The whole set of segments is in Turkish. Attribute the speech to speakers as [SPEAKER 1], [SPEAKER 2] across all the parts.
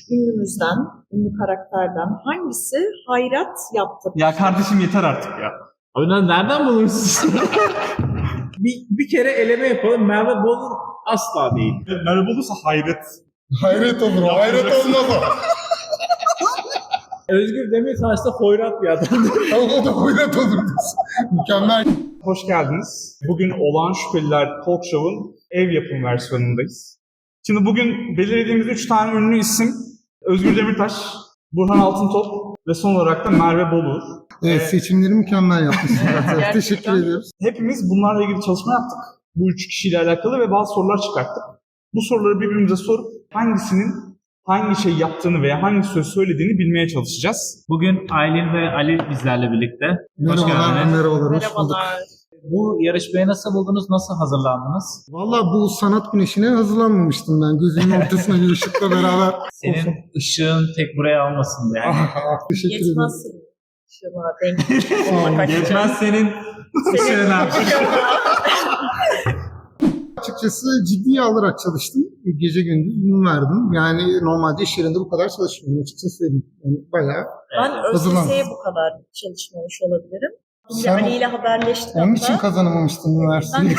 [SPEAKER 1] ünlümüzden, ünlü karakterden hangisi hayrat yaptı?
[SPEAKER 2] Ya kardeşim yeter artık ya.
[SPEAKER 3] Abi nereden bulursunuz? bir kere eleme yapalım. Merve Bolu asla değil.
[SPEAKER 2] Merhaba olursa hayret.
[SPEAKER 4] Hayret olur, hayret olmaz o.
[SPEAKER 3] Özgür Demirtaş da hoyrat bir adamdır.
[SPEAKER 4] O da hayret olur. Mükemmel.
[SPEAKER 2] Hoş geldiniz. Bugün Olağan Şüpheliler Talk Show'un ev yapım versiyonundayız. Şimdi bugün belirlediğimiz 3 tane ünlü isim Özgür Demirtaş, Burhan Altıntop ve son olarak da Merve Boluğur.
[SPEAKER 4] Evet, seçimleri mükemmel yapmışsın.
[SPEAKER 1] Gerçekten.
[SPEAKER 4] Teşekkür ediyoruz.
[SPEAKER 2] Hepimiz bunlarla ilgili çalışma yaptık. Bu 3 kişiyle alakalı ve bazı sorular çıkarttık. Bu soruları birbirimize sorup hangisinin hangi şey yaptığını veya hangi söz söylediğini bilmeye çalışacağız.
[SPEAKER 3] Bugün Aylin ve Ali bizlerle birlikte. Hoş
[SPEAKER 4] Merhabalar,
[SPEAKER 3] geldiniz.
[SPEAKER 4] merhabalar. Hoş bulduk.
[SPEAKER 1] Merhabalar.
[SPEAKER 3] Bu yarışmaya nasıl buldunuz? Nasıl hazırlandınız?
[SPEAKER 4] Valla bu sanat güneşine hazırlanmamıştım ben. Gözümün ortasına bir ışıkla beraber.
[SPEAKER 3] Senin ışığın tek buraya almasın yani.
[SPEAKER 4] Teşekkür ederim.
[SPEAKER 1] Yetmez senin ışığına denk.
[SPEAKER 3] Yetmez senin ışığına.
[SPEAKER 4] Açıkçası ciddiye alarak çalıştım. Gece gündüz gün verdim. Yani normalde iş yerinde bu kadar çalışmıyorum. Açıkçası söyleyeyim. Yani bayağı.
[SPEAKER 1] Ben
[SPEAKER 4] Hazırlan.
[SPEAKER 1] ÖSS'ye bu kadar çalışmamış olabilirim. Şimdi
[SPEAKER 4] Sen
[SPEAKER 1] Ali ile haberleştik
[SPEAKER 4] Onun
[SPEAKER 1] hatta.
[SPEAKER 4] için kazanamamıştın
[SPEAKER 1] Ben
[SPEAKER 4] üniversiteyi.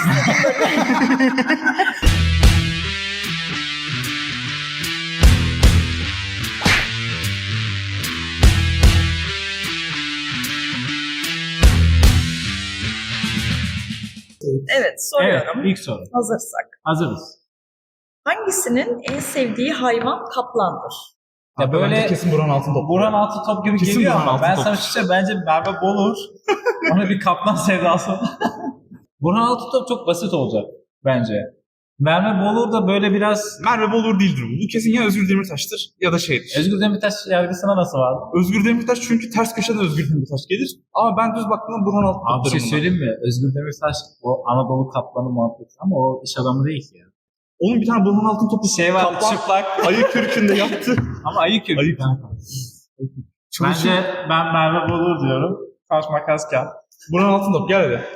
[SPEAKER 1] Evet, soruyorum.
[SPEAKER 3] Evet, ilk soru.
[SPEAKER 1] Hazırsak.
[SPEAKER 3] Hazırız.
[SPEAKER 1] Hangisinin en sevdiği hayvan kaplandır?
[SPEAKER 3] Ya böyle
[SPEAKER 2] kesin Burhan Altıntop.
[SPEAKER 3] Burhan Altıntop gibi
[SPEAKER 2] Kesin
[SPEAKER 3] geliyor
[SPEAKER 2] Burhan
[SPEAKER 3] ama ben
[SPEAKER 2] Altıntop.
[SPEAKER 3] sana şu şey bence Merve Boluğur. Ona bir kaplan sevdası. Burhan Altıntop çok basit olacak bence. Merve Boluğur da böyle biraz...
[SPEAKER 2] Merve Boluğur değildir bu. Bu kesin ya Özgür Demirtaş'tır ya da şeydir.
[SPEAKER 3] Özgür Demirtaş yargısına nasıl var?
[SPEAKER 2] Özgür Demirtaş çünkü ters köşeden Özgür Demirtaş gelir. Ama ben düz baktığımda Burhan
[SPEAKER 3] Abi
[SPEAKER 2] Altıntop
[SPEAKER 3] bir şey
[SPEAKER 2] derim buna.
[SPEAKER 3] söyleyeyim mi? Özgür Demirtaş o Anadolu kaplanı muhabbeti ama o iş adamı değil ki ya.
[SPEAKER 2] Onun bir tane Burhan Altıntop'u
[SPEAKER 3] Şey var,
[SPEAKER 2] kaplan
[SPEAKER 3] çıplak
[SPEAKER 2] ayı kürkünde yaptı.
[SPEAKER 3] ama ayı kürkü.
[SPEAKER 2] Ayı
[SPEAKER 3] Bence ben Merve Boluğur diyorum. Taş makas kağıt.
[SPEAKER 2] Burhan Altıntop gel hadi.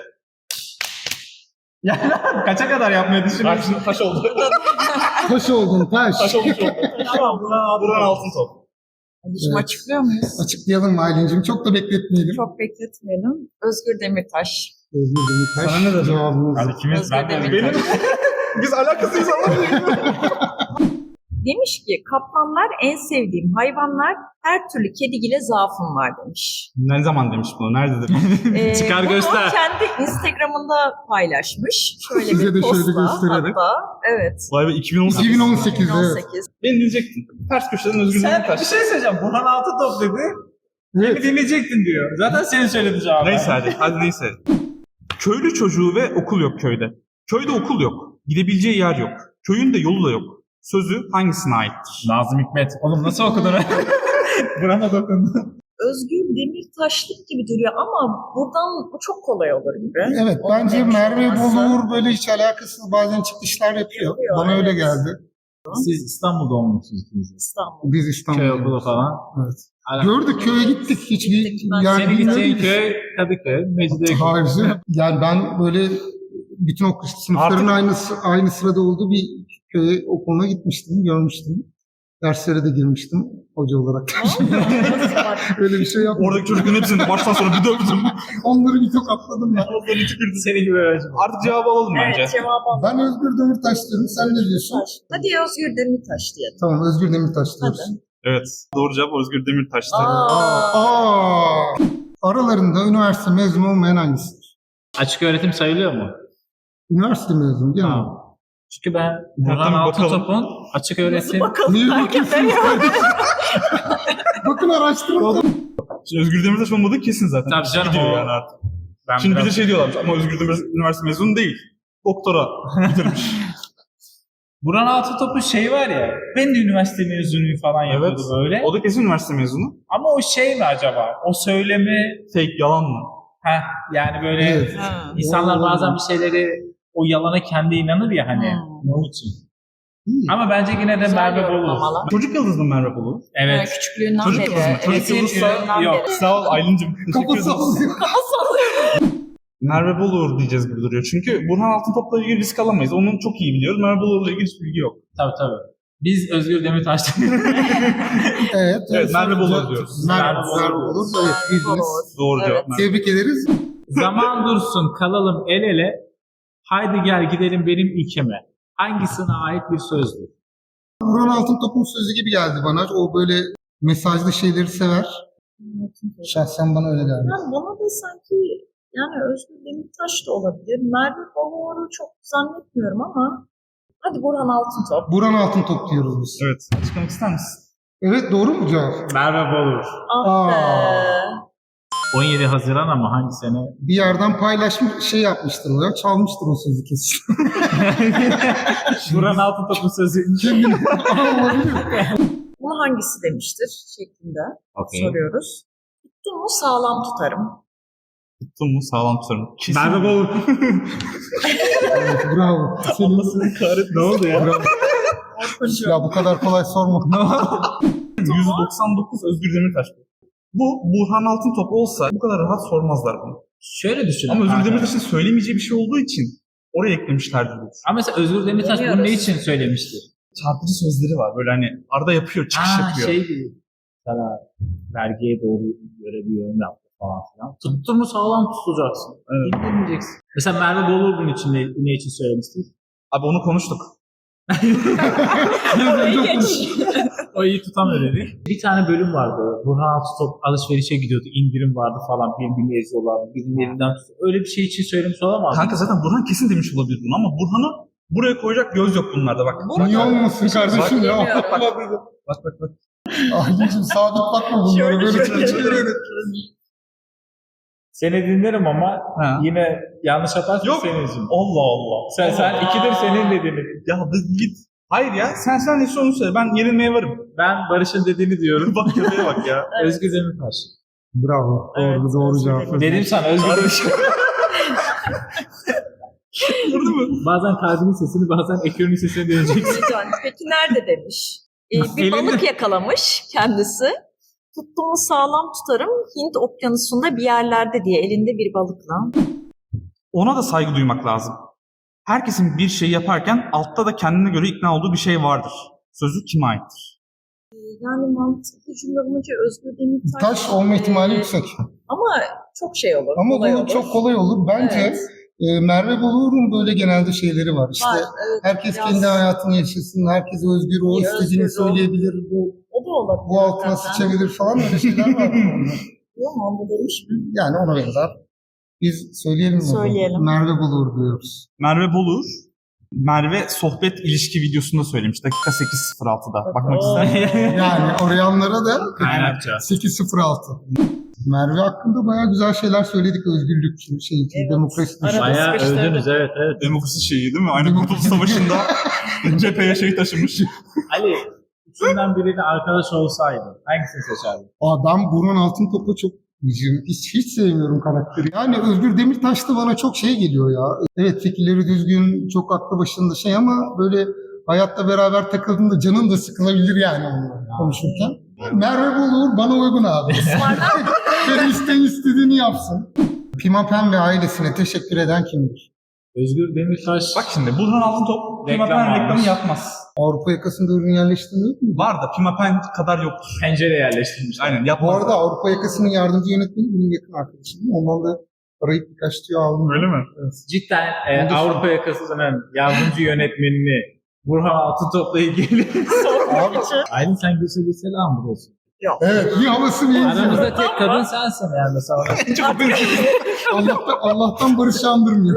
[SPEAKER 3] Ya kaça kadar yapmayı düşünüyorsun?
[SPEAKER 2] Taş oldu.
[SPEAKER 4] Taş oldun, taş.
[SPEAKER 2] Taş olmuş oldu.
[SPEAKER 3] Tamam
[SPEAKER 2] Burhan Altıntop.
[SPEAKER 1] Şimdi
[SPEAKER 4] Evet.
[SPEAKER 1] açıklıyor muyuz?
[SPEAKER 4] Açıklayalım mı Aylin'cim? Çok da bekletmeyelim.
[SPEAKER 1] Çok bekletmeyelim. Özgür Demirtaş.
[SPEAKER 4] Özgür Demirtaş.
[SPEAKER 2] Sana ne dedim?
[SPEAKER 4] Cevabımız.
[SPEAKER 3] Hadi kimiz?
[SPEAKER 1] Özgür
[SPEAKER 3] Ben de
[SPEAKER 1] Demirtaş.
[SPEAKER 2] Benim... Biz alakasıyız ama.
[SPEAKER 1] Demiş ki kaplanlar en sevdiğim hayvanlar, her türlü kedigile zaafım var demiş.
[SPEAKER 2] Ne zaman demiş bunu? Nerede demiş?
[SPEAKER 3] Çıkar
[SPEAKER 1] bunu
[SPEAKER 3] göster.
[SPEAKER 1] kendi Instagram'ında paylaşmış. Şöyle
[SPEAKER 4] Size
[SPEAKER 1] bir
[SPEAKER 4] de şöyle
[SPEAKER 1] postla
[SPEAKER 4] göstererek.
[SPEAKER 1] hatta. Evet.
[SPEAKER 2] Vay be 2018.
[SPEAKER 4] 2018'de evet.
[SPEAKER 1] 2018.
[SPEAKER 2] Beni dinleyecektin. Ters köşeden Özgür
[SPEAKER 3] Sen bir
[SPEAKER 2] Demirtaş.
[SPEAKER 3] şey söyleyeceğim. Burhan Altıntop dedi. Beni
[SPEAKER 4] Evet.
[SPEAKER 3] dinleyecektin diyor. Zaten senin söyledi cevabı.
[SPEAKER 2] Neyse hadi neyse. Köylü çocuğu ve okul yok köyde. Köyde okul yok. Gidebileceği yer yok. Köyün de yolu da yok. Sözü hangisine aittir?
[SPEAKER 3] Nazım Hikmet. Oğlum nasıl okudun? Burhan'a dokundu.
[SPEAKER 1] Özgür Demirtaşlık gibi duruyor ama buradan bu çok kolay olur gibi.
[SPEAKER 4] Evet,
[SPEAKER 1] Onun
[SPEAKER 4] bence
[SPEAKER 1] demiş
[SPEAKER 4] Merve
[SPEAKER 1] olması.
[SPEAKER 4] Boluğur böyle hiç alakasız bazen çıkışlar yapıyor.
[SPEAKER 1] Yapıyor,
[SPEAKER 4] Bana öyle
[SPEAKER 1] evet.
[SPEAKER 4] geldi.
[SPEAKER 3] Siz İstanbul'da olmuşsunuz ikiniz. de.
[SPEAKER 1] İstanbul.
[SPEAKER 4] Biz
[SPEAKER 3] Köy
[SPEAKER 4] İstanbul'da.
[SPEAKER 3] okulu falan.
[SPEAKER 4] Evet. Gördük, köye gittik. Hiçbir
[SPEAKER 1] Gittik, ben
[SPEAKER 4] yer
[SPEAKER 3] Senin
[SPEAKER 4] bilmiyorum.
[SPEAKER 3] gideceğin köy Kadıköy, Mecidiyeköy.
[SPEAKER 4] Harcı. Yani ben böyle bütün o sınıfların aynı sırada olduğu bir köye okuluna gitmiştim, görmüştüm. Derslere de girmiştim hoca olarak. Öyle bir şey yapmadım.
[SPEAKER 2] Oradaki çocukların hepsini baştan sona bir dövdüm.
[SPEAKER 4] Onları bir tokatladım ben.
[SPEAKER 2] Onları tükürdü.
[SPEAKER 3] Seni gibi öğrenci.
[SPEAKER 2] Artık cevabı alalım bence.
[SPEAKER 1] Evet, cevabı alalım.
[SPEAKER 4] Ben Özgür Demirtaş diyorum. Sen ne diyorsun?
[SPEAKER 1] Hadi Özgür Demirtaş diyelim.
[SPEAKER 4] Tamam, Özgür Demirtaş diyoruz.
[SPEAKER 1] Hadi.
[SPEAKER 2] Evet. Doğru cevap Özgür Demirtaş'tı.
[SPEAKER 4] Aa. Aralarında üniversite mezunu olmayan hangisidir?
[SPEAKER 3] Açık öğretim sayılıyor mu?
[SPEAKER 4] Üniversite mezunu değil mi?
[SPEAKER 3] Tamam. Çünkü ben Burhan
[SPEAKER 2] Tabii, bakalım.
[SPEAKER 3] Altıntop'un açık
[SPEAKER 1] Nasıl
[SPEAKER 3] öğretim...
[SPEAKER 1] bakalım?
[SPEAKER 4] Niye
[SPEAKER 1] Herkes
[SPEAKER 4] bakıyorsunuz kardeşim? Bakın araştırın.
[SPEAKER 2] Şimdi Özgür Demirtaş olmadığı kesin zaten.
[SPEAKER 3] Tabii canım,
[SPEAKER 2] Gidiyor
[SPEAKER 3] o-
[SPEAKER 2] yani artık.
[SPEAKER 3] Ben
[SPEAKER 2] Şimdi bir
[SPEAKER 3] biraz-
[SPEAKER 2] de şey diyorlarmış ama Özgür Demirtaş üniversite mezunu değil. Doktora bitirmiş.
[SPEAKER 3] Burhan Altıntop'un şeyi var ya, ben de üniversite mezunuyum falan yapıyordu
[SPEAKER 2] Evet.
[SPEAKER 3] böyle.
[SPEAKER 2] O da kesin üniversite mezunu.
[SPEAKER 3] Ama o şey mi acaba? O söylemi...
[SPEAKER 2] Fake, yalan mı?
[SPEAKER 3] Yani böyle
[SPEAKER 4] Evet.
[SPEAKER 1] Ha.
[SPEAKER 3] insanlar bazen bir şeyleri o yalana kendi inanır ya hani. Onun için. Ama bence yine de
[SPEAKER 1] Güzel
[SPEAKER 3] Merve Boluğur.
[SPEAKER 1] yorumlamalar.
[SPEAKER 2] Çocuk yıldız mı Merve Boluğur?
[SPEAKER 3] Evet.
[SPEAKER 1] Küçüklüğünden
[SPEAKER 2] Çocuk
[SPEAKER 1] beri.
[SPEAKER 2] kızı mı? Çocuk
[SPEAKER 1] Eğitim
[SPEAKER 2] yıldızsa
[SPEAKER 1] yılından
[SPEAKER 3] yok.
[SPEAKER 1] beri.
[SPEAKER 2] Sağ ol Aylin'cim. Teşekkür
[SPEAKER 4] Kafası
[SPEAKER 2] ederim.
[SPEAKER 4] alıyor.
[SPEAKER 2] Merve Boluğur diyeceğiz gibi duruyor. Çünkü Burhan Altıntop'la ilgili risk alamayız. Onu çok iyi biliyoruz. Merve Boluğur'la ilgili hiç bilgi yok.
[SPEAKER 3] Tabii. Biz Özgür Demirtaş'tan.
[SPEAKER 4] Evet.
[SPEAKER 2] Merve Bolur diyoruz.
[SPEAKER 4] Merve Bolur. Evet, bildiniz.
[SPEAKER 2] Doğru
[SPEAKER 1] Evet.
[SPEAKER 2] cevap. Merve.
[SPEAKER 4] Tebrik ederiz.
[SPEAKER 3] Zaman dursun kalalım el ele. Haydi gel gidelim benim ilkeme. Hangisine ait bir sözdür?
[SPEAKER 4] Burhan Altıntop'un sözü gibi geldi bana. O böyle mesajlı şeyleri sever. Şahsen bana öyle geldi.
[SPEAKER 1] Yani bana da sanki yani Özgür Demirtaş da olabilir. Merve Bolur'u çok zannetmiyorum ama hadi Burhan Altıntop.
[SPEAKER 4] Burhan Altıntop diyoruz biz.
[SPEAKER 2] Evet. Açıklamak ister misin?
[SPEAKER 4] Evet, doğru mu cevap?
[SPEAKER 3] Merve Bolur.
[SPEAKER 1] Ah be.
[SPEAKER 3] 17 Haziran ama hangi sene?
[SPEAKER 4] Bir yerden paylaşmış, şey yapmıştır o ya. Çalmıştır o sözü kesin.
[SPEAKER 3] Burhan Altıntop'un sözü.
[SPEAKER 1] Bunu hangisi demiştir şeklinde
[SPEAKER 3] Okay.
[SPEAKER 1] soruyoruz. Tuttum mu sağlam tutarım.
[SPEAKER 2] Tuttum mu sağlam tutarım. Kesin.
[SPEAKER 3] Merve Bolur.
[SPEAKER 4] Evet, bravo.
[SPEAKER 2] Allah'ını kahretsin. Ne oldu ya?
[SPEAKER 4] Bravo. Ya bu kadar kolay sorma.
[SPEAKER 2] 199 Özgür Demirtaş. Bu Burhan Altıntop olsa bu kadar rahat sormazlar bunu.
[SPEAKER 3] Şöyle düşünün.
[SPEAKER 2] Ama Özgür
[SPEAKER 3] kanka.
[SPEAKER 2] Demirtaş'ın söylemeyeceği bir şey olduğu için oraya eklemişlerdir.
[SPEAKER 3] Ama mesela Özgür Demirtaş bunu
[SPEAKER 1] Deniyoruz.
[SPEAKER 3] ne için söylemişti?
[SPEAKER 2] Çarpıcı sözleri var. Böyle hani arada yapıyor, çıkış yapıyor.
[SPEAKER 3] Şey gibi. Sana vergiye doğru göre bir yorum yaptı falan filan. Tuttun mu sağlam tutacaksın.
[SPEAKER 2] Evet.
[SPEAKER 3] İndirmeyeceksin. Mesela Merve Bolur bunun için ne için söylemişti?
[SPEAKER 2] Abi onu konuştuk.
[SPEAKER 3] O iyi tutamıyor dedi. Bir tane bölüm vardı. Burhan Altıntop alışverişe gidiyordu. İndirim vardı falan. Birbirini eziyorlardı. Birinin elinden tutuyor. Öyle bir şey için söylemiş olamaz mı?
[SPEAKER 2] Kanka zaten Burhan kesin demiş olabilir bunu ama Burhan'ı buraya koyacak göz yok bunlarda bak.
[SPEAKER 4] Niye olmasın kardeşim ya?
[SPEAKER 1] Bilmiyorum.
[SPEAKER 2] Bak.
[SPEAKER 4] Ahlicim sabit bakma bunlara. Böyle
[SPEAKER 1] Şöyle.
[SPEAKER 3] Seni dinlerim ama
[SPEAKER 2] Ha.
[SPEAKER 3] yine yanlış yaparsan
[SPEAKER 2] Yok.
[SPEAKER 3] senin yüzünden.
[SPEAKER 2] Allah Allah.
[SPEAKER 3] Sen ikidir senin dediğini.
[SPEAKER 2] Ya git. Hayır ya sen neyse onu söyle. Ben yenilmeye varım.
[SPEAKER 3] Ben Barış'ın dediğini diyorum.
[SPEAKER 2] Bak köpeğe bak ya.
[SPEAKER 3] Özgür Demirtaş.
[SPEAKER 4] Bravo.
[SPEAKER 1] Evet,
[SPEAKER 4] Doğru
[SPEAKER 1] Özgür
[SPEAKER 4] cevap.
[SPEAKER 1] Demirtaş.
[SPEAKER 3] Dedim sana Özgür Demirtaş.
[SPEAKER 2] Gördün mü?
[SPEAKER 3] Bazen kalbinin sesini bazen ekranın sesini dinleyeceksin.
[SPEAKER 1] Can, peki nerede demiş? Bir
[SPEAKER 3] Elinde.
[SPEAKER 1] balık yakalamış kendisi. Tuttuğumu sağlam tutarım Hint okyanusunda bir yerlerde diye elinde bir balıkla.
[SPEAKER 2] Ona da saygı duymak lazım. Herkesin bir şey yaparken altta da kendine göre ikna olduğu bir şey vardır. Sözü kime aittir?
[SPEAKER 1] Yani mantıklı cümle bulunca Özgür Demirtaş.
[SPEAKER 4] Taş olma ihtimali yüksek.
[SPEAKER 1] Ama çok şey olur.
[SPEAKER 4] Ama
[SPEAKER 1] kolay
[SPEAKER 4] bu
[SPEAKER 1] olur.
[SPEAKER 4] çok kolay olur. Bence
[SPEAKER 1] Evet.
[SPEAKER 4] Merve Bolur'un böyle genelde şeyleri var. İşte
[SPEAKER 1] Var, evet,
[SPEAKER 4] herkes
[SPEAKER 1] biraz-
[SPEAKER 4] kendi hayatını yaşasın, herkes özgür, o
[SPEAKER 1] İyi,
[SPEAKER 4] istediğini
[SPEAKER 1] özgür ol.
[SPEAKER 4] söyleyebilir,
[SPEAKER 1] O da olabilir.
[SPEAKER 4] bu altına
[SPEAKER 1] zaten.
[SPEAKER 4] sıçabilir falan öyle şeyler var.
[SPEAKER 1] Yok mu? Bu demiş mi?
[SPEAKER 4] Yani ona benzer. Biz söyleyelim mi?
[SPEAKER 1] Söyleyelim.
[SPEAKER 4] Merve Bolur diyoruz.
[SPEAKER 2] Merve Bolur, Merve sohbet ilişki videosunda söylemiş. Dakika 8.06'da. Bakmak
[SPEAKER 1] Oo.
[SPEAKER 2] ister.
[SPEAKER 4] Yani arayanlara da
[SPEAKER 3] Kaynakça.
[SPEAKER 4] 8.06. Merve hakkında bayağı güzel şeyler söyledik. Özgürlük,
[SPEAKER 1] Evet.
[SPEAKER 4] demokrasi.
[SPEAKER 1] Arada
[SPEAKER 3] Bayağı
[SPEAKER 1] sıkıştırdık.
[SPEAKER 3] övdünüz evet.
[SPEAKER 2] Demokrasi şeyi değil mi? Aynı Kurtuluş Savaşı'nda cepheye şey taşımış.
[SPEAKER 3] Ali, üçünden biriyle arkadaş olsaydı hangisini seçerdin?
[SPEAKER 4] Ben Burhan Altıntop'u çok hiç sevmiyorum karakteri. Yani Özgür Demirtaş da bana çok şey geliyor ya. Evet, fikirleri düzgün, çok aklı başında şey ama böyle hayatta beraber takıldığında canın da sıkılabilir yani onunla konuşurken. Merve Bolur bana uygun abi. Benim istediğini yapsın. Pimapen ve ailesine teşekkür eden kimdir?
[SPEAKER 3] Özgür Demirtaş.
[SPEAKER 2] Bak şimdi Burhan Altıntop Pimapen
[SPEAKER 3] Reklam
[SPEAKER 2] reklamı
[SPEAKER 3] almış.
[SPEAKER 2] yapmaz.
[SPEAKER 4] Avrupa yakasında ürün yerleştirme yok mu?
[SPEAKER 2] Var da Pimapen kadar yoktur.
[SPEAKER 3] pencere yerleştirmiş.
[SPEAKER 2] Aynen
[SPEAKER 4] Bu
[SPEAKER 2] yapmaz.
[SPEAKER 4] arada Avrupa yakasının yardımcı yönetmeni benim yakın arkadaşım. Ondan da arayıp birkaç tüyo aldım.
[SPEAKER 2] Öyle mi?
[SPEAKER 3] Cidden Avrupa yakasının yardımcı yönetmenini Burhan Altıntop'la ilgili.
[SPEAKER 4] Abi,
[SPEAKER 3] Aylin sen Gülsel'e selam burası.
[SPEAKER 4] evet, bir havası bir
[SPEAKER 3] Aramızda tek kadın sensin yani mesela.
[SPEAKER 4] Allah'tan Barış andırmıyor.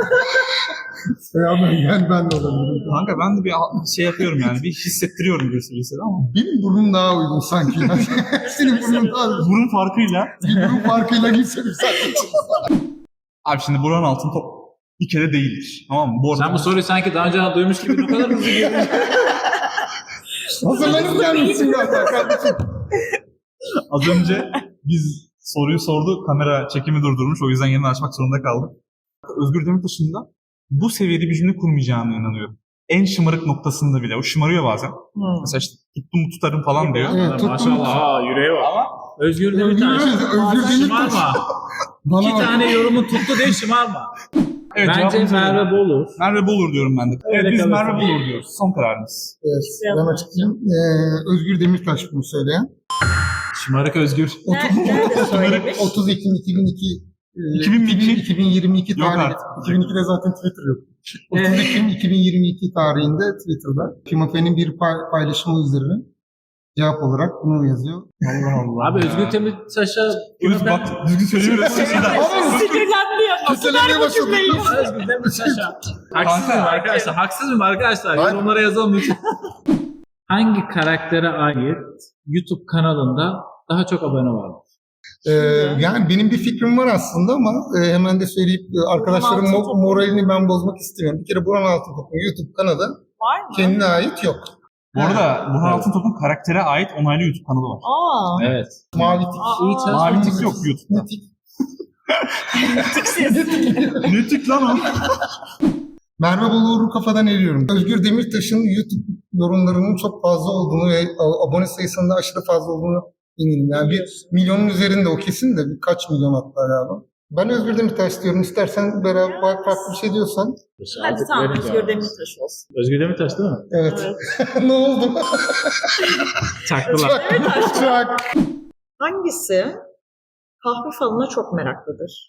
[SPEAKER 4] Ben de olabilirim.
[SPEAKER 2] Kanka ben de bir şey yapıyorum yani. Bir hissettiriyorum Gülsel'e ama.
[SPEAKER 4] Benim burnum daha uygun sanki. Senin burnun daha uygun.
[SPEAKER 2] Burun farkıyla.
[SPEAKER 4] Bir burun farkıyla gitselim sanki.
[SPEAKER 2] Abi şimdi Burhan Altıntop bir kere değildir. Tamam mı? Bu arada
[SPEAKER 3] Sen bu soruyu sanki daha önce duymuş gibi ne kadar hızlı girdin.
[SPEAKER 4] Hazırlanıp gelmişsin galiba kardeşim.
[SPEAKER 2] az önce biz soruyu sordu. Kamera çekimi durdurmuş. O yüzden yeniden açmak zorunda kaldık. Özgür Demirtaş'ın da bu seviyede bir cümle kurmayacağına inanıyorum. En şımarık noktasında bile. O şımarıyor bazen. Mesela işte tuttum mu tutarım falan diyor.
[SPEAKER 4] Evet, tuttum.
[SPEAKER 3] Maşallah yüreği var.
[SPEAKER 2] Ama
[SPEAKER 3] Özgür Demirtaş.
[SPEAKER 4] Özgür Demirtaş.
[SPEAKER 3] Şımarma.
[SPEAKER 4] Bana
[SPEAKER 3] İki
[SPEAKER 4] bak.
[SPEAKER 3] tane yorumun tuttu diye şımarma.
[SPEAKER 2] Evet,
[SPEAKER 3] Bence
[SPEAKER 2] cevabımız
[SPEAKER 3] Merve
[SPEAKER 2] öyle.
[SPEAKER 3] Bolur.
[SPEAKER 2] Merve Bolur diyorum ben de.
[SPEAKER 3] Öyle
[SPEAKER 2] Evet biz
[SPEAKER 3] kalırsın.
[SPEAKER 2] Merve Bolur diyoruz. Son kararımız.
[SPEAKER 4] Evet, ben açıklayayım. Özgür Demirtaş bunu söyleyen.
[SPEAKER 3] Şımarık Özgür.
[SPEAKER 1] Nerede söylemiş?
[SPEAKER 4] 30 Ekim 2002
[SPEAKER 2] 2002?
[SPEAKER 4] 2022
[SPEAKER 2] Yok
[SPEAKER 4] tarihi.
[SPEAKER 2] artık.
[SPEAKER 4] 2002'de zaten Twitter yok. 30 Ekim 2022 tarihinde Twitter'da Pimapen'in bir paylaşımı üzerine cevap olarak bunu yazıyor. Allah Allah.
[SPEAKER 3] Abi Özgür Demirtaş'a
[SPEAKER 2] Bak düzgün söylemiyorsun.
[SPEAKER 1] Sinirlendi ya.
[SPEAKER 4] Kötülemeye başladı.
[SPEAKER 3] Özgür Demirtaş'a. Haksız mıyım
[SPEAKER 2] Kanka.
[SPEAKER 3] arkadaşlar? Haksız mıyım arkadaşlar?
[SPEAKER 4] Hayır.
[SPEAKER 3] Yorumlara yazalım lütfen. Hangi karaktere ait YouTube kanalında daha çok abone var?
[SPEAKER 4] Yani benim bir fikrim var aslında ama hemen de söyleyip arkadaşların
[SPEAKER 1] Burhan Altıntop.
[SPEAKER 4] moralini ben bozmak istemiyorum. Bir kere Burhan Altıntop'un YouTube kanalı
[SPEAKER 1] Var mı?
[SPEAKER 4] kendine ait yok.
[SPEAKER 2] Bu arada Burhan Altıntop'un karaktere ait onaylı YouTube kanalı var.
[SPEAKER 1] Aa.
[SPEAKER 3] Evet.
[SPEAKER 4] Mavi tik.
[SPEAKER 3] İyi çalışma.
[SPEAKER 2] Mavi tik yok YouTube'da.
[SPEAKER 4] Ne tik?
[SPEAKER 2] Ne tik lan o?
[SPEAKER 4] Merve Bolur'u kafadan eriyorum. Özgür Demirtaş'ın YouTube yorumlarının çok fazla olduğunu ve abone sayısının da aşırı fazla olduğunu eminim. Yani bir milyonun üzerinde o kesin de birkaç milyon hatta galiba. Ben Özgür Demirtaş diyorum. İstersen beraber farklı bir şey diyorsan.
[SPEAKER 1] Hadi tamam Özgür Demirtaş olsun.
[SPEAKER 3] Özgür Demirtaş değil mi?
[SPEAKER 4] Evet.
[SPEAKER 1] Evet.
[SPEAKER 4] Ne oldu?
[SPEAKER 3] Çaktılar.
[SPEAKER 4] Çak.
[SPEAKER 1] Hangisi kahve falına çok meraklıdır?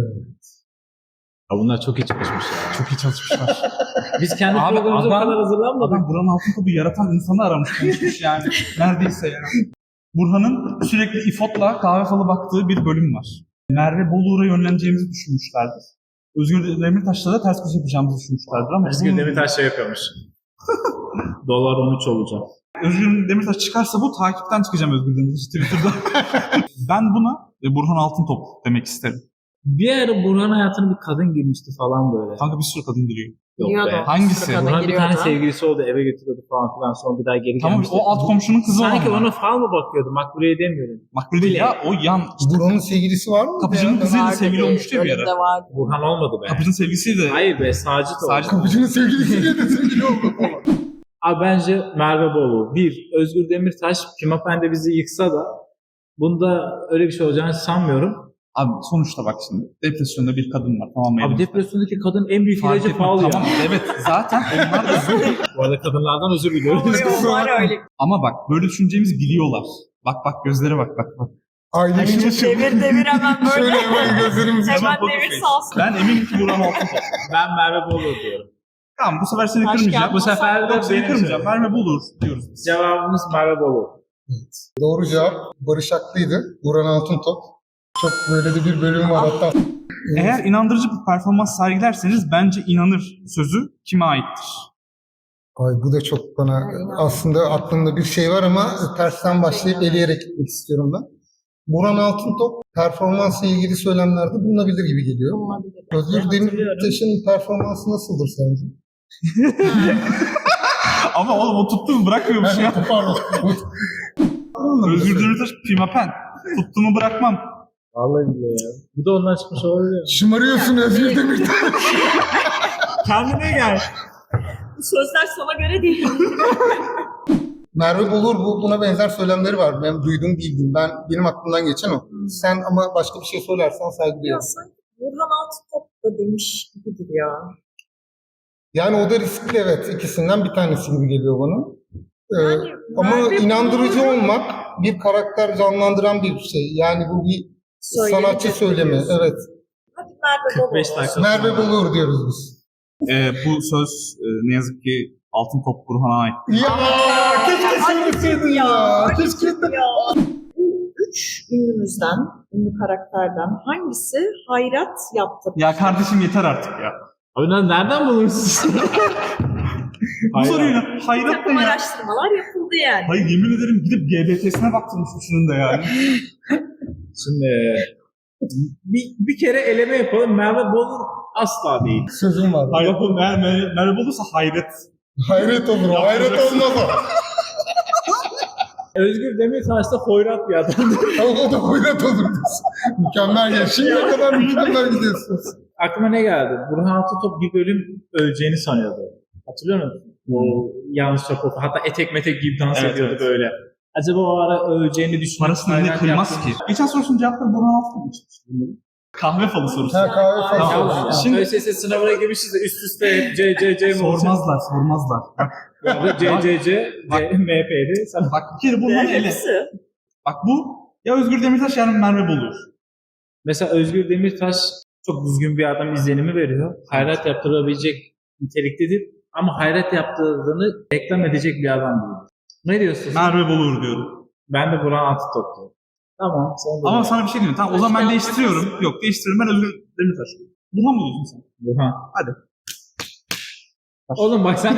[SPEAKER 3] Ya bunlar çok iyi çalışmış ya.
[SPEAKER 2] Çok iyi çalışmışlar.
[SPEAKER 3] Biz kendi
[SPEAKER 2] Abi,
[SPEAKER 3] programımıza bu
[SPEAKER 2] adam-
[SPEAKER 3] kadar hazırlanmadık.
[SPEAKER 2] Adam Burhan Altıntop'u yaratan insanı aramış konuşmuş yani. Neredeyse yani. Burhan'ın sürekli İFOT'la kahve falı baktığı bir bölüm var. Merve Bolur'a yönleneceğimizi düşünmüşlerdir. Özgür Demirtaş'la da ters köşe yapacağımızı düşünmüşlerdir ama
[SPEAKER 3] Özgür Demirtaş şey yapıyormuş. Dolar 13 olacak.
[SPEAKER 2] Özgür Demirtaş çıkarsa bu takipten çıkacağım Özgür Demirtaş Twitter'da. Ben buna Burhan Altıntop demek isterim.
[SPEAKER 3] Bir ara Burhan'ın hayatına bir kadın girmişti falan böyle.
[SPEAKER 2] Kanka bir sürü kadın giriyor.
[SPEAKER 3] Yok
[SPEAKER 1] Giriyordu.
[SPEAKER 3] be.
[SPEAKER 2] Hangisi?
[SPEAKER 1] Sırada
[SPEAKER 3] Burhan bir tane
[SPEAKER 1] giriyordu.
[SPEAKER 3] sevgilisi oldu, eve götürüyordu falan filan, sonra bir daha geri
[SPEAKER 2] Tamam
[SPEAKER 3] gelmişti.
[SPEAKER 2] o alt komşunun kızı olan.
[SPEAKER 3] Sanki
[SPEAKER 2] mı?
[SPEAKER 3] ona fal mı bakıyordu? Makbule'ye demiyorum.
[SPEAKER 2] Makbule değil ya o yan.
[SPEAKER 4] Burhan'ın sevgilisi var mı?
[SPEAKER 2] Kapıcının kızıyla
[SPEAKER 1] Vardı
[SPEAKER 2] sevgili
[SPEAKER 1] bir
[SPEAKER 2] olmuştu ya bir
[SPEAKER 1] bölümde
[SPEAKER 2] ara.
[SPEAKER 1] vardı.
[SPEAKER 3] Burhan olmadı be.
[SPEAKER 2] Kapıcının sevgilisiydi.
[SPEAKER 3] Hayır be, Sacit oldu.
[SPEAKER 2] Sacit.
[SPEAKER 4] Kapıcının sevgilisiyle de sevgili oldu falan.
[SPEAKER 3] Abi bence Merve Bolu. Bir, Özgür Demirtaş Pimapen'de bizi yıksa da bunda öyle bir şey olacağını sanmıyorum.
[SPEAKER 2] Abi sonuçta bak şimdi depresyonda bir kadın var tamam mı?
[SPEAKER 3] Abi depresyondaki kadın en büyük
[SPEAKER 2] Fark
[SPEAKER 3] ilacı
[SPEAKER 2] etmez.
[SPEAKER 3] fal ya.
[SPEAKER 2] Tamam evet zaten onlar da
[SPEAKER 3] Bu arada kadınlardan özür diliyoruz.
[SPEAKER 1] Var öyle.
[SPEAKER 2] ama bak böyle düşüneceğimizi biliyorlar. Bak gözlere bak.
[SPEAKER 4] Ailenin
[SPEAKER 1] Devir hemen
[SPEAKER 4] şöyle
[SPEAKER 1] böyle.
[SPEAKER 4] hemen gözlerimizi
[SPEAKER 1] Hemen
[SPEAKER 2] poker
[SPEAKER 1] devir
[SPEAKER 2] face.
[SPEAKER 1] salsın.
[SPEAKER 2] Ben eminim ki Burhan Altıntop.
[SPEAKER 3] Ben Merve Bolu diyorum.
[SPEAKER 2] Tamam bu sefer seni
[SPEAKER 1] Başka
[SPEAKER 2] kırmayacağım.
[SPEAKER 3] Bu sefer de
[SPEAKER 2] Yok seni
[SPEAKER 3] benim
[SPEAKER 2] kırmayacağım.
[SPEAKER 3] söyleyeyim.
[SPEAKER 2] Merve Bulur diyoruz biz.
[SPEAKER 3] Cevabımız Merve Bolu.
[SPEAKER 4] Doğru cevap Barış Aklı'ydı. Burhan Altıntop. Çok böyle de bir bölüm var hatta.
[SPEAKER 2] Eğer inandırıcı bir performans sergilerseniz bence inanır sözü kime aittir?
[SPEAKER 4] Ay bu da çok bana aslında aklımda bir şey var ama tersten başlayıp eleyerek gitmek istiyorum ben. Burhan Altıntop performansla ilgili söylemlerde bulunabilir gibi geliyor.
[SPEAKER 1] Olabilir.
[SPEAKER 4] Özgür
[SPEAKER 1] Hatırlıyorum.
[SPEAKER 4] Demirtaş'ın performansı nasıldır sence?
[SPEAKER 2] Ama oğlum o tuttuğunu bırakmıyormuş ya.
[SPEAKER 4] Pardon.
[SPEAKER 2] Özgür Demirtaş pimapen. Tuttuğumu bırakmam.
[SPEAKER 3] Vallahi billahi ya. Bu da ondan çıkmış olabilir.
[SPEAKER 4] Şımarıyorsun Özgür Demirtaş.
[SPEAKER 2] Kendine gel.
[SPEAKER 1] Bu sözler sana göre değil.
[SPEAKER 4] Merve Bolur buna benzer söylemleri var. Ben duydum bildim. Benim aklımdan geçen o. Sen ama başka bir şey söylersen saygı
[SPEAKER 1] Ya
[SPEAKER 4] duyuyorum.
[SPEAKER 1] sanki Burhan Altıntop da demiş gibidir ya.
[SPEAKER 4] Yani o da riskli evet. İkisinden bir tanesi gibi geliyor bana.
[SPEAKER 1] Yani
[SPEAKER 4] Ama
[SPEAKER 1] Merve
[SPEAKER 4] inandırıcı
[SPEAKER 1] Bolur'un
[SPEAKER 4] olmak bir karakter canlandıran bir şey. Yani bu bir
[SPEAKER 1] söylemi
[SPEAKER 4] sanatçı söylemi.
[SPEAKER 1] diyorsun.
[SPEAKER 4] Evet.
[SPEAKER 1] Hadi Merve Bolu.
[SPEAKER 3] 45 dakika.
[SPEAKER 4] Merve Bolur diyoruz biz.
[SPEAKER 2] Bu söz ne yazık ki Altıntop Burhan'a ait.
[SPEAKER 4] Ya keşke söyleseydin ya. Keşke.
[SPEAKER 1] Ya. Üç ünlümüzden, ünlü karakterden hangisi hayrat yaptı?
[SPEAKER 2] Ya kardeşim yeter artık ya.
[SPEAKER 3] Abi nereden bulursunuz?
[SPEAKER 2] Bu soruyu hayret ne
[SPEAKER 1] Takım
[SPEAKER 2] ya?
[SPEAKER 1] araştırmalar yapıldı yani.
[SPEAKER 2] Hayır yemin ederim gidip GBT'sine baktırmış üçünün de yani.
[SPEAKER 3] Şimdi bir kere eleme yapalım. Merve Bolu asla değil.
[SPEAKER 4] Sözüm var.
[SPEAKER 2] Hayret Merve olursa hayret.
[SPEAKER 4] Hayret olur. o, Hayret olmaz o.
[SPEAKER 3] Özgür Demirtaş da hoyrat bir adam.
[SPEAKER 4] O da hayret olur diyorsun. Mükemmel ya. Şimdiye kadar mükemmel gidiyorsunuz.
[SPEAKER 3] Aklıma ne geldi? Burhan Altıntop bir bölüm öleceğini sanıyordu. Hatırlıyor musun? Bu yanlış rapor. Hatta etek metek gibi dans
[SPEAKER 2] Evet,
[SPEAKER 3] ediyordu
[SPEAKER 2] evet.
[SPEAKER 3] böyle. Acaba o ara öleceğini düşünüp
[SPEAKER 2] Parasını ne
[SPEAKER 3] hayrat
[SPEAKER 2] kıymaz
[SPEAKER 3] yaptığını-
[SPEAKER 2] ki? Geçen sorusunun cevapları Burhan Altıntop için. Kahve falı sorusu.
[SPEAKER 4] Ha, kahve falan.
[SPEAKER 2] Tamam.
[SPEAKER 3] Ya,
[SPEAKER 2] Şimdi-
[SPEAKER 3] ÖSS sınavına girmişiz de üst üste hep C mi olacak?
[SPEAKER 2] Sormazlar. Bak,
[SPEAKER 3] MP'di. Sen
[SPEAKER 2] bak bir kere bunları ele.
[SPEAKER 1] Hepsi.
[SPEAKER 2] Bak bu ya Özgür Demirtaş ya Merve Boluğur.
[SPEAKER 3] mesela Özgür Demirtaş çok düzgün bir adam izlenimi veriyor. Hayrat yaptırabilecek niteliktedir. Ama hayrat yaptırdığını reklam edecek bir adam değil. Ne diyorsun?
[SPEAKER 2] Merve Boluğur diyorum.
[SPEAKER 3] Ben de Burhan Altıntop. Tamam. Sen de
[SPEAKER 2] Ama sana bir şey diyeyim. Tamam o zaman ben değiştiriyorum. Yok değiştiriyorum. Ben Özgür Demirtaş. Burhan mı diyorsun sen?
[SPEAKER 3] Burhan.
[SPEAKER 2] Hadi.
[SPEAKER 3] Oğlum bak sen...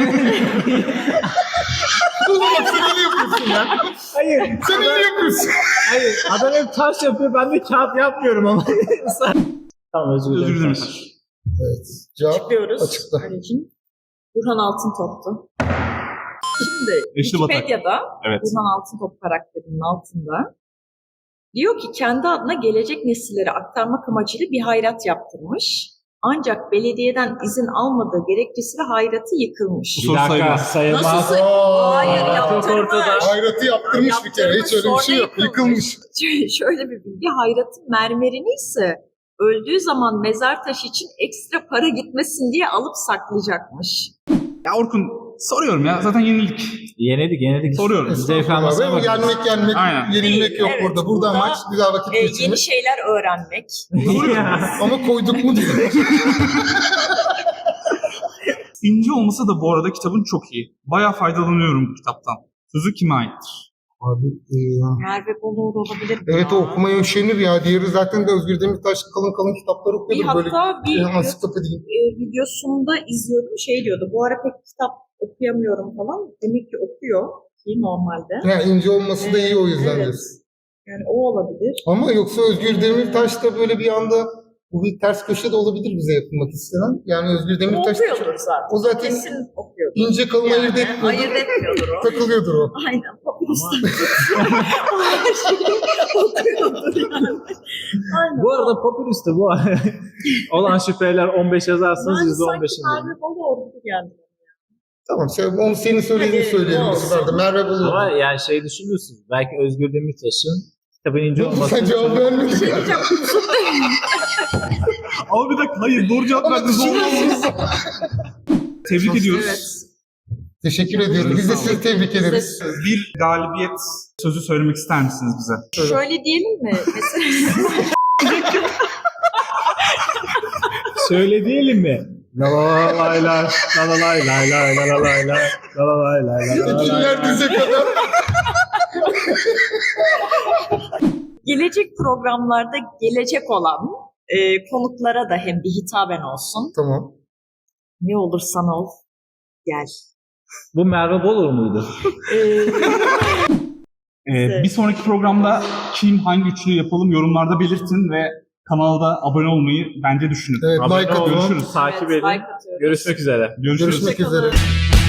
[SPEAKER 4] Oğlum bak sen ne yapıyorsun ya?
[SPEAKER 3] Hayır.
[SPEAKER 4] Sen ne yapıyorsun?
[SPEAKER 3] Hayır. Adam hep taş yapıyor. Ben de kağıt yapmıyorum ama. Tamam Özgür
[SPEAKER 2] Özgür
[SPEAKER 3] Demirtaş.
[SPEAKER 2] Demirtaş.
[SPEAKER 4] Evet. Cevap
[SPEAKER 1] Çıkıyoruz.
[SPEAKER 4] açıkta.
[SPEAKER 1] Anneciğim. Burhan Altıntop'tu. Şimdi
[SPEAKER 2] Eşli Batak.
[SPEAKER 1] Wikipedia'da
[SPEAKER 2] Evet.
[SPEAKER 1] Burhan Altıntop karakterinin altında diyor ki kendi adına gelecek nesillere aktarmak amacıyla bir hayrat yaptırmış. Ancak belediyeden izin almadığı gerekçesiyle hayratı yıkılmış.
[SPEAKER 2] Bu soru
[SPEAKER 3] Bir dakika
[SPEAKER 2] sayılmaz.
[SPEAKER 3] sayılmaz.
[SPEAKER 1] Nasıl?
[SPEAKER 4] Aa,
[SPEAKER 1] Hayır
[SPEAKER 3] çok
[SPEAKER 1] yaptırmış.
[SPEAKER 3] ortada.
[SPEAKER 4] Hayratı yaptırmış bir kere. Hiç öyle bir şey yok. Yıkılmış.
[SPEAKER 1] Şöyle bir bilgi, hayratın mermerini ise öldüğü zaman mezar taşı için ekstra para gitmesin diye alıp saklayacakmış.
[SPEAKER 2] Ya Orkun soruyorum ya. Zaten yenilik.
[SPEAKER 3] Yenedik.
[SPEAKER 2] Soruyorum.
[SPEAKER 3] Zevk almasına
[SPEAKER 4] Estağfurullah.
[SPEAKER 3] bakıyoruz.
[SPEAKER 4] Yenmek,
[SPEAKER 2] Aynen.
[SPEAKER 4] yenilmek yok
[SPEAKER 1] Evet,
[SPEAKER 4] burada. Burada amaç güzel vakit
[SPEAKER 1] Yeni
[SPEAKER 4] geçirmek.
[SPEAKER 1] şeyler öğrenmek.
[SPEAKER 4] Ama koyduk mu diyor.
[SPEAKER 2] İnce olmasa da bu arada kitabın çok iyi. Bayağı faydalanıyorum bu kitaptan. Sözü kime aittir?
[SPEAKER 4] Abi,
[SPEAKER 1] Merve Boluğur olabilir mi
[SPEAKER 4] evet
[SPEAKER 1] ya?
[SPEAKER 4] o okumaya üşenir ya. Diğeri zaten de Özgür Demirtaş kalın kalın kitaplar
[SPEAKER 1] Bir
[SPEAKER 4] okuyordu. Böyle
[SPEAKER 1] hatta bir
[SPEAKER 4] ansiklopedi gibi.
[SPEAKER 1] videosunda izliyordum şey diyordu. Bu ara pek kitap okuyamıyorum falan. Demek ki okuyor ki normalde.
[SPEAKER 4] Ha, ince olması da iyi o yüzden.
[SPEAKER 1] Evet.
[SPEAKER 4] diyorsun.
[SPEAKER 1] Yani o olabilir.
[SPEAKER 4] Ama yoksa Özgür Demirtaş da böyle bir anda bu bir ters köşe de olabilir bize yapılmak istenen. Yani Özgür
[SPEAKER 1] O
[SPEAKER 4] Demirtaş da
[SPEAKER 1] okuyordur zaten.
[SPEAKER 4] o zaten
[SPEAKER 1] Kesin okuyordur.
[SPEAKER 4] ince kalın ayırt etmiyordur.
[SPEAKER 1] Ayırt etmiyordur o.
[SPEAKER 4] Takılıyordur o.
[SPEAKER 1] Aynen. Popülistler. Her şeyi okuyordur yani. Aynen.
[SPEAKER 3] Bu arada popülisti bu. Olan şüpheler 15 yazarsanız
[SPEAKER 1] Ben
[SPEAKER 3] %15'in.
[SPEAKER 1] sanki Merve Boluğur gibi geldi.
[SPEAKER 4] Tamam onu senin söylediğini
[SPEAKER 1] Hadi,
[SPEAKER 4] söyleyelim bu
[SPEAKER 1] olsun.
[SPEAKER 4] sefer de. Merve Boluğur.
[SPEAKER 3] Ama yani şey düşünürsünüz. Belki Özgür Demirtaş'ın kitabın ince olması.
[SPEAKER 4] Sen cevap vermedin.
[SPEAKER 1] Şey diyeceğim.
[SPEAKER 2] Ama bir dakika hayır doğru cevap
[SPEAKER 4] Ama
[SPEAKER 2] verdiniz.
[SPEAKER 4] düşünüyorsunuz.
[SPEAKER 2] Tebrik ediyoruz.
[SPEAKER 1] Evet.
[SPEAKER 4] Teşekkür ediyoruz. Biz de sizi tebrik ederiz.
[SPEAKER 2] Bir galibiyet sözü söylemek ister misiniz bize?
[SPEAKER 1] Şöyle diyelim mi? Mesela
[SPEAKER 3] Şöyle diyelim mi? La la lay lay, la la lay lay lay, la la lay lay, la la lay lay, la la lay
[SPEAKER 4] Ekinler
[SPEAKER 3] lay.
[SPEAKER 4] dize kadar.
[SPEAKER 1] gelecek programlarda gelecek olan konuklara da hem bir hitaben olsun.
[SPEAKER 4] Tamam.
[SPEAKER 1] Ne olursan ol, gel.
[SPEAKER 3] Bu Merve Boluğur muydu?
[SPEAKER 2] Bir sonraki programda kim hangi üçlü yapalım yorumlarda belirtin ve kanalda abone olmayı bence düşünün.
[SPEAKER 4] Evet,
[SPEAKER 3] Abone
[SPEAKER 4] like
[SPEAKER 3] olun,
[SPEAKER 4] atın.
[SPEAKER 2] Görüşürüz.
[SPEAKER 3] takip
[SPEAKER 1] Evet,
[SPEAKER 3] edin.
[SPEAKER 1] like atıyoruz.
[SPEAKER 3] Görüşmek üzere.
[SPEAKER 2] Görüşürüz.
[SPEAKER 4] Görüşmek
[SPEAKER 1] Hoşçakalın.
[SPEAKER 4] üzere.